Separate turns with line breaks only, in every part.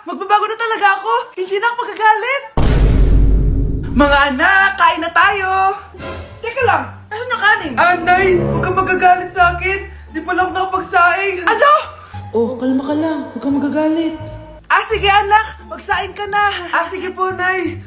Magbabago na talaga ako! Hindi na ako magagalit! Mga anak, kain na tayo! Teka lang, nasan yung kanin? Nay, huwag kang magagalit sa akin! Di pa lang nakapagsaing! Ano?
Oh, kalma ka lang. Huwag kang magagalit.
Sige anak, magsaing ka na! Sige po, Nay!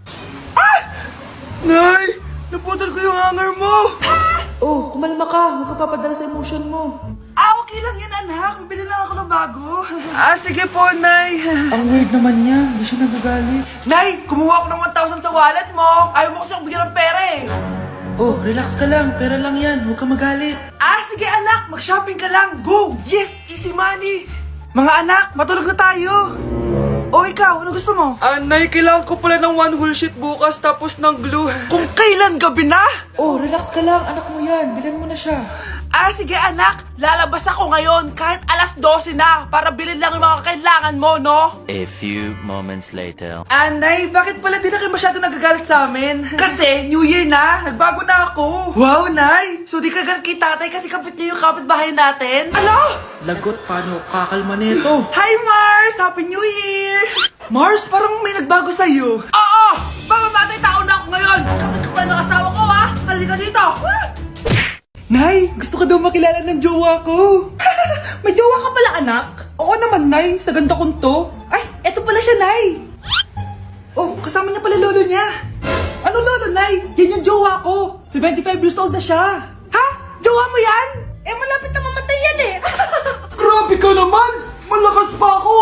Nay! Naputol ko yung hanger mo!
Oh, kumalma ka. Huwag ka papadala sa emotion mo.
Okay lang yan, anak. Bibili lang ako ng bago. Sige po, Nay.
Ang weird naman niya. Hindi siya nagagalit.
Nay, kumuha ako ng 1,000 sa wallet mo. Ayaw mo kasi akong bigyan ng pera eh.
Oh, relax ka lang. Pera lang yan. Huwag ka magalit.
Sige anak, mag-shopping ka lang. Go! Yes, easy money. Mga anak, matulog na tayo. Ikaw, ano gusto mo? Nay, kailangan ko pala ng one whole sheet bukas tapos ng glue. Kung kailan gabi na?
Oh, relax ka lang. Anak mo yan. Bilan mo na siya.
Sige anak, lalabas ako ngayon kahit alas 12 na para bilhin lang yung mga kailangan mo, no?
A few moments later.
Nay, bakit pala di na kayo masyado nagagalit sa amin? Kasi, New Year na, nagbago na ako. Wow, Nay! So di ka galit kay tatay kasi kapit niya yung kapitbahay natin? Ano?
Lagot, paano kakalma nito?
Hi, Mars! Happy New Year! Mars, parang may nagbago sa'yo. Oo! Baka matay tao na ako ngayon! Kapit ko pa ng asawa ko, ha? Halika dito!
Nay, gusto ka daw makilala ng jowa ko.
May jowa ka pala, anak?
Oo naman, Nay. Sa ganda kong to.
Ay, eto pala siya, Nay! Oh, kasama niya pala lolo niya. Ano lolo, Nay? Yan yung jowa ko.
75 years old na siya.
Ha? Jowa mo yan? Malapit na mamatay yan eh.
Grabe ka naman! Malakas pa ako!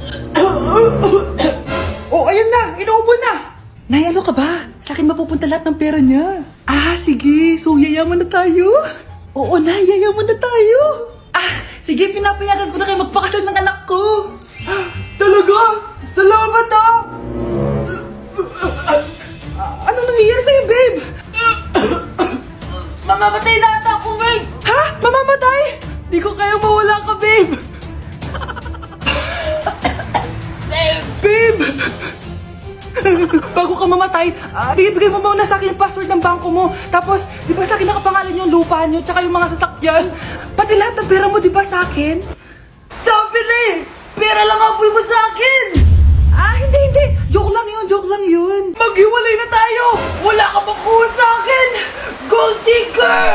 Oh, ayan na! Inuubo na! Nay, ano ka ba? Sa akin mapupunta lahat ng pera niya. Sige. So, yayaman na tayo? Oo, Nay. Yayaman na tayo.
Sige, pinapayagan ko na kayo magpakasal ng anak ko.
Talaga? Salamat Ano nangyayari sa'yo, babe?
Mamamatay na ata ako, babe.
Ha? Mamamatay? Di ko kaya mawala ka, babe. Babe! Bago ka mamatay, bigay mo muna sa akin yung password ng bangko mo. Tapos, di ba sa akin nakapangalan yung lupa nyo, tsaka yung mga sasakyan? Pati lahat ng pera mo, di ba sa akin?
Sabi na eh, pera lang ang apoy mo sa akin.
Hindi. Joke lang yun.
Maghiwalay na tayo. Wala ka makuha sa akin. Gold digger.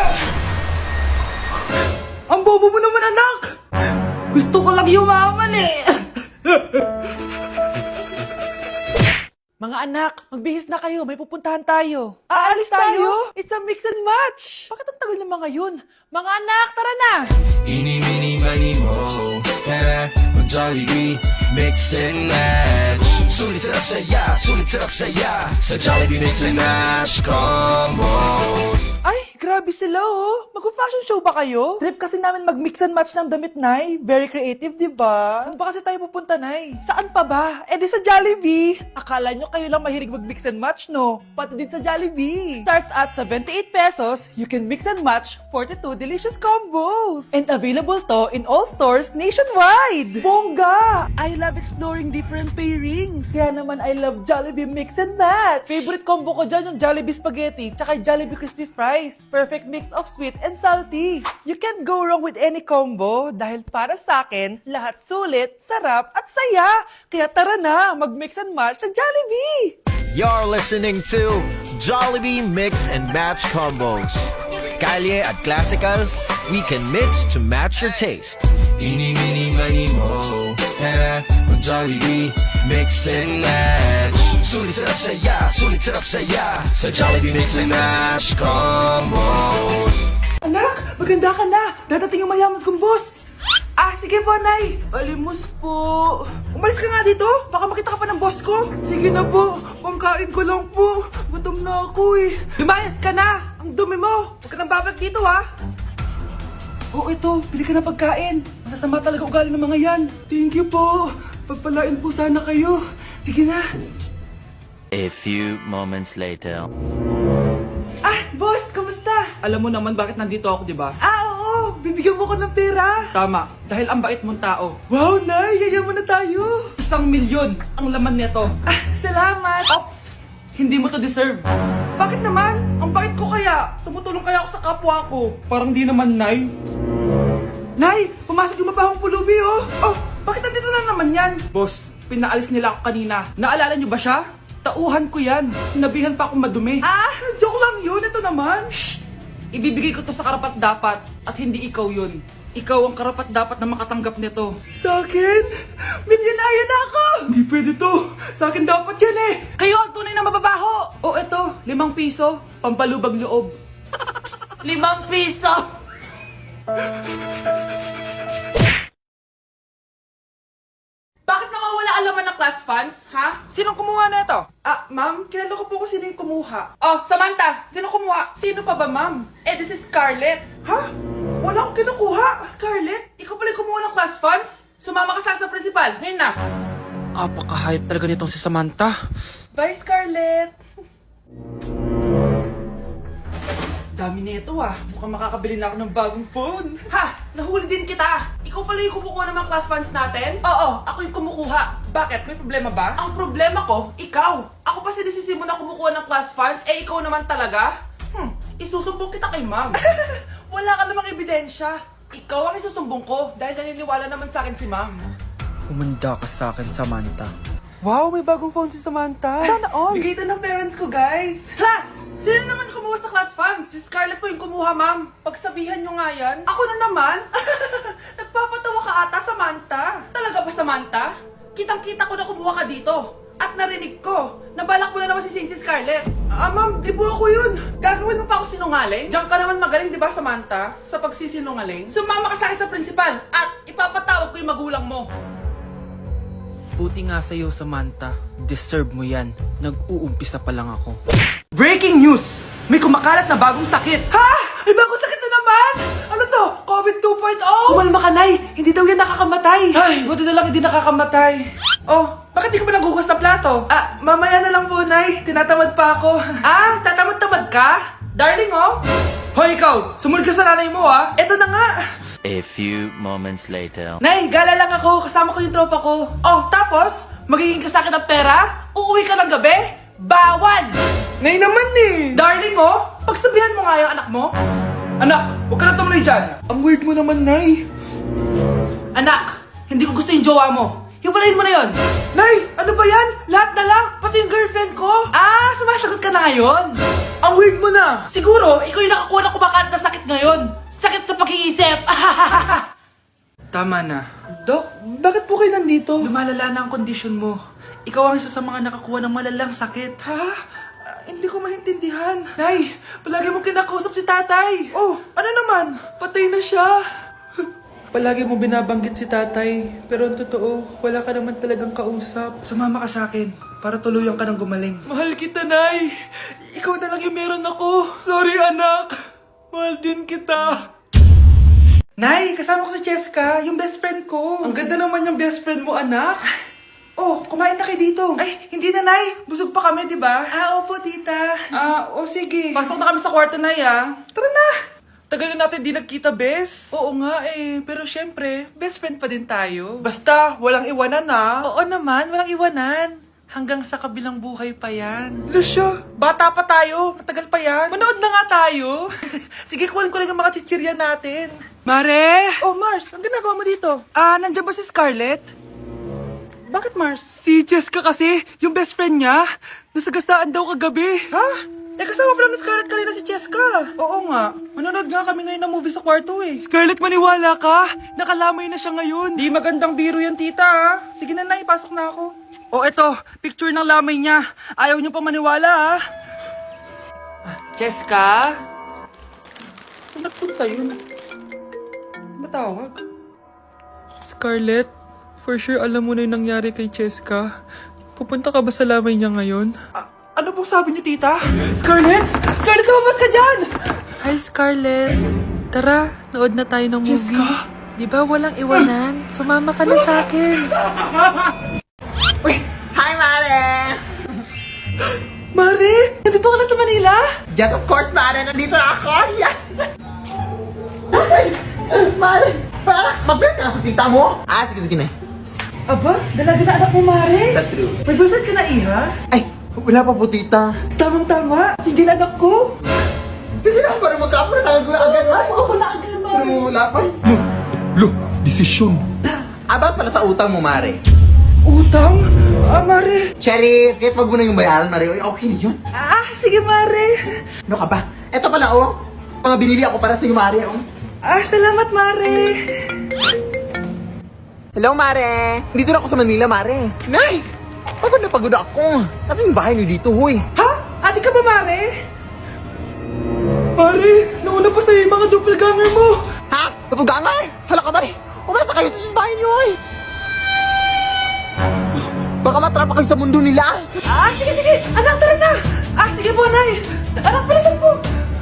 Ang bobo mo naman, anak! Gusto ko lang yumaman eh.
Mga anak, magbihis na kayo. May pupuntahan tayo. Aalis tayo? It's a mix and match. Bakit ang tagal ng mga yun? Mga anak, tara na.
Eeny, meeny, miny, mo. Tara, mag-Jollibee, mix and match. Sulit sarap saya. Sa Jollibee mix and match combo.
Ay, grabe sila oh. Mag-fashion show ba kayo? Trip kasi namin mag-mix and match ng damit, Nay. Very creative, di ba? Saan pa kasi tayo pupunta, Nay? Saan pa ba? Di sa Jollibee. Akala nyo kayo lang mahilig mag-mix and match, no? Pati din sa Jollibee. Starts at 78 pesos, you can mix and match 42 delicious combos. And available to in all stores nationwide. Bongga! I love exploring different pairings. Kaya naman I love Jollibee mix and match. Favorite combo ko dyan yung Jollibee spaghetti tsaka Jollibee crispy fries. Perfect mix of sweet and salty. You can't go wrong with any combo dahil para sa akin, lahat sulit, sarap at saya. Kaya tara na, mag-mix and match sa Jollibee!
You're listening to Jollibee Mix and Match Combos. Kalye at Classical, we can mix to match your taste. Eeny, meeny, miny, mo. Tara, mag-Jollibee, mix and match. Sulit sarap saya. Sa Jollibee Mix and Match Combos.
Anak, maganda ka na. Dadating yung mayaman kong boss.
Sige po, Nay.
Alimos po. Umalis ka nga dito. Baka makita ka pa ng boss ko. Sige na po. Pangkain ko lang po. Gutom na ako eh.
Lumayas ka na! Ang dumi mo! Huwag ka nang babalik dito, ha?
Ito. Bili ka ng pagkain. Masasama talaga ugali ng mga yan. Thank you po. Pagpalain po sana kayo. Sige na.
A few moments later.
Boss, kamusta? Alam mo naman bakit nandito ako, di ba?
Oo! Bibigyan mo ko ng pera!
Tama. Dahil ang bait mong tao. Wow, Nay! Yayaman na tayo. 1,000,000 ang laman nito.
Salamat!
Ops! Hindi mo to deserve.
Bakit naman? Ang bait ko kaya! Tumutulong kaya ako sa kapwa ko!
Parang di naman, Nay.
Nay! Pumasok yung mabahong pulubi, oh! Oh! Bakit nandito na naman yan?
Boss,
pinaalis nila ako kanina. Naalala niyo ba siya? Tauhan ko yan. Sinabihan pa akong madumi. Ah, joke lang yun. Ito naman. Shh! Ibibigay ko to sa karapat-dapat at hindi ikaw yun. Ikaw ang karapat-dapat na makatanggap nito. Sa akin? Milyonaryo na ako! Hindi pwede to. Sa akin dapat yan eh. Kayo ang tunay na mababaho. O eto, 5 piso. Pampalubag loob. 5 piso! Bakit nawawala ang laman ng class funds, ha? Sinong kumuha na ito? Ah, ma'am, kilala ko po kung sino yung kumuha. Oh, Samantha, sino kumuha? Sino pa ba, ma'am? Eh, this is Scarlett. Ha? Wala akong kinukuha. Scarlett, ikaw pala yung kumuha ng class funds? Sumama ka sa principal, ngayon na. Apaka-hype talaga nitong si Samantha. Bye, Scarlett. Dami na ito ah. Mukhang makakabili na ako ng bagong phone. Ha! Nahuli din kita! Ikaw pala yung kumukuha ng mga class funds natin? Oo, ako yung kumukuha. Bakit? May problema ba? Ang problema ko, ikaw. Ako pa sinisisi mo na kumukuha ng class funds, eh ikaw naman talaga? Isusumbong kita kay ma'am. Wala ka namang ebidensya. Ikaw ang isusumbong ko dahil naniniwala naman sa akin si ma'am.
Umanda ka sa akin, Samantha.
Wow, may bagong phone si Samantha. Sana all. Bigay ito ng parents ko, guys. Class! Sino naman kumuha sa class funds? Si Scarlett po yung kumuha, ma'am. Pagsabihan nyo nga yan. Ako na naman? Nagpapatawa ka ata, Samantha. Talaga ba, Samantha? Kitang-kita ko na kumuha ka dito. At narinig ko, nabalak mo na naman si Scarlett. Ah, ma'am, di po ako yun. Gagawin mo pa ako sinungaling? Diyan ka naman magaling, di ba, Samantha? Sa pagsisinungaling? Sumama ka sa akin sa principal at ipapatawag ko yung magulang mo.
Buti nga sa'yo, Samantha. Deserve mo yan. Nag-uumpisa pa lang ako.
Breaking news! May kumakalat na bagong sakit. Ha? May bagong sakit na naman? Ano to? COVID 2.0? Kumalma ka, Nay. Hindi daw yan nakakamatay. Ay, buti na lang hindi nakakamatay. Oh, bakit di ka pa nagugas na plato? Ah, mamaya na lang po, Nay. Tinatamad pa ako. Ah, tatamad-tamad ka? Darling, oh. Hoy, ikaw! Sumunod ka sa nanay mo, ah. Eto na nga.
A few moments later.
Nay, gala lang ako. Kasama ko yung tropa ko. Oh, tapos? Magiging ka sa akin ng pera? Uuwi ka ng gabi? Bawal! Nay naman eh! Darling oh, pagsabihan mo nga yung anak mo. Anak, huwag ka na tumuloy dyan. Ang weird mo naman, Nay. Anak, hindi ko gusto yung jowa mo. Hiwalayin mo na yon. Nay, ano ba yan? Lahat na lang, pati yung girlfriend ko. Ah, sumasagot ka na ngayon? Ang weird mo na. Siguro, ikaw yung nakakuha na kumakalat na sakit ngayon. Sakit sa pag-iisip. Tama na. Dok, bakit po kayo nandito? Lumalala na ang kondisyon mo. Ikaw ang isa sa mga nakakuha ng malalang sakit. Ha? Hindi ko maintindihan. Nay, palagi mo kinakausap si tatay. Oh, ano naman? Patay na siya. Palagi mo binabanggit si tatay. Pero ang totoo, wala ka naman talagang kausap. Sumama ka sa akin para tuluyan ka ng gumaling. Mahal kita, Nay. Ikaw na lang yung meron ako. Sorry, anak. Mahal din kita. Nay, kasama ko si Cheska, yung best friend ko. Ang ganda naman yung best friend mo, anak. Oh, kumain na kayo dito. Ay, hindi na, Nay. Busog pa kami, di ba? Ah, opo, tita. Ah, sige. Pasok na kami sa kwarto, Nay, ah. Tara na. Tagal na natin di nagkita, bes. Oo nga eh, pero syempre, best friend pa din tayo. Basta, walang iwanan ah. Oo naman, walang iwanan. Hanggang sa kabilang buhay pa yan. Lusyo, bata pa tayo. Matagal pa yan. Manood na nga tayo. Sige, kunin ko lang ang mga chichirya natin. Mare! Oh, Mars, ang ginagawa mo dito? Ah, nandiyan ba si Scarlett? Bakit, Mars? Si Jessica kasi, yung best friend niya. Nasagasaan daw kagabi. Ha? Eh, kasama pala ni Scarlett kanina si Jessica. Oo nga. Manonood nga kami ngayon ng movie sa kwarto eh. Scarlett, maniwala ka. Nakalamay na siya ngayon. Di magandang biro yan, tita ha. Sige na, ipasok na ako. Oh, eto. Picture ng lamay niya. Ayaw niyo pa maniwala ha. Jessica? Saan nagpunta yun? Matawag? Scarlett, for sure alam mo na yung nangyari kay Jessica. Pupunta ka ba sa lamay niya ngayon? Ano pong sabi niyo, tita? Scarlett? Scarlett, lumabas ka dyan! Hi, Scarlett. Tara, nood na tayo ng movie. Jessica? Di ba walang iwanan? Sumama ka na sa akin.
Uy! Hi, Mare!
Mare, nandito ka na sa Manila?
Yes, of course, Mare! Nandito na ako! Yes! Mare! Para mag-bless ka sa tita mo! Ah, sige na.
Aba, dalaga na anak mo, Mare.
That's true.
May boyfriend ka na, Iha?
Ay, wala pa po, tita.
Tamang-tama, single anak ko.
Sige na, para magka-apra na agad, Mare.
Ako na agad, Mare.
Pero wala pa. Lo, desisyon. About pala sa utang mo, Mare.
Utang? Mare.
Cherry, kahit wag mo na yung bayaran, Mare. Okay na yun.
Sige, Mare.
Ano ka ba? Eto pala, oh. Mga binili ako para sa'yo, Mare, oh.
Salamat, Mare.
Hello, Mare. Dito na ako sa Manila, Mare. Nay! Pagod na pagod ako. Kasi yung bahay niyo dito, huy.
Ha? Ate ka ba, Mare? Mare, nauna pa sa'yo yung mga doppelganger mo.
Ha? Napugangar? Hala ka, Mare. Umalas na kayo sa bahay niyo, huy. Baka matrapa kayo sa mundo nila.
Sige. Anak, tara na. Sige po, Nay. Anak, palasan po.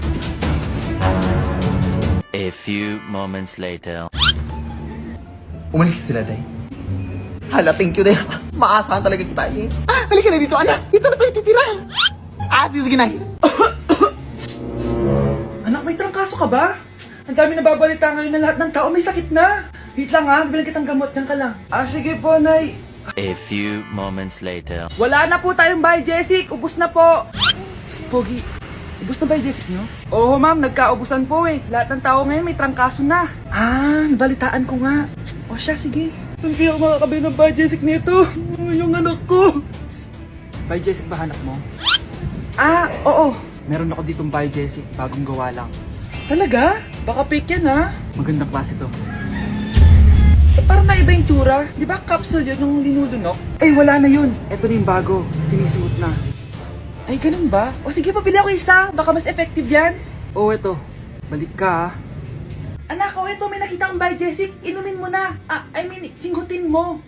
A few moments later.
Umalis sila, Day. Hala, thank you, Day. Maasahan talaga kita, eh. Halika na dito, anak. Dito na tayo titira. Sige, Nay.
Anak, may trangkaso ka ba? Ang dami nababalita ngayon na lahat ng tao may sakit na. Wait lang ha, bilang kitang gamot. Diyan ka lang. Sige po, Nay.
A few moments later.
Wala na po tayong bahay, Jessic. Ubus na po. Psst, Pogi. Ubus na ba yung Jessic nyo? Oo, ma'am. Nagkaubusan po eh. Lahat ng tao ngayon may trangkaso na. Nabalitaan ko nga. O siya, sige. Saan kaya ako makakabili ng bahay, Jessic nito? Yung anak ko. Psst. Bahay, Jessic ba hanap mo? Oo. Meron ako ditong bahay, Jessic. Bagong gawa lang. Talaga? Baka fake yan ha? Magandang klase to. Parang naiba yung tsura. Di ba capsule yun yung linulunok? Wala na yun. Ito na yung bago. Sinisuot na. Ay, ganun ba? O sige, pabili ako isa. Baka mas effective yan. Eto. Balik ka, Anak, ito. May nakita akong bahay, Jessic. Inumin mo na. Singgutin mo.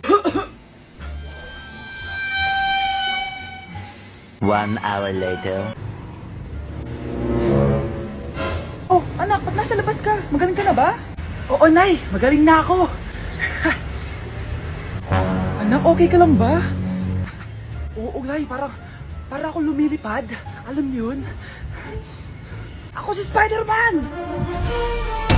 1 hour later.
Anak, ba't nasa labas ka? Magaling ka na ba? Oo, Nay. Magaling na ako. Anak, okay ka lang ba? Oo, Nay. Para ako lumilipad. Alam niyo yun? Ako si Spider-Man!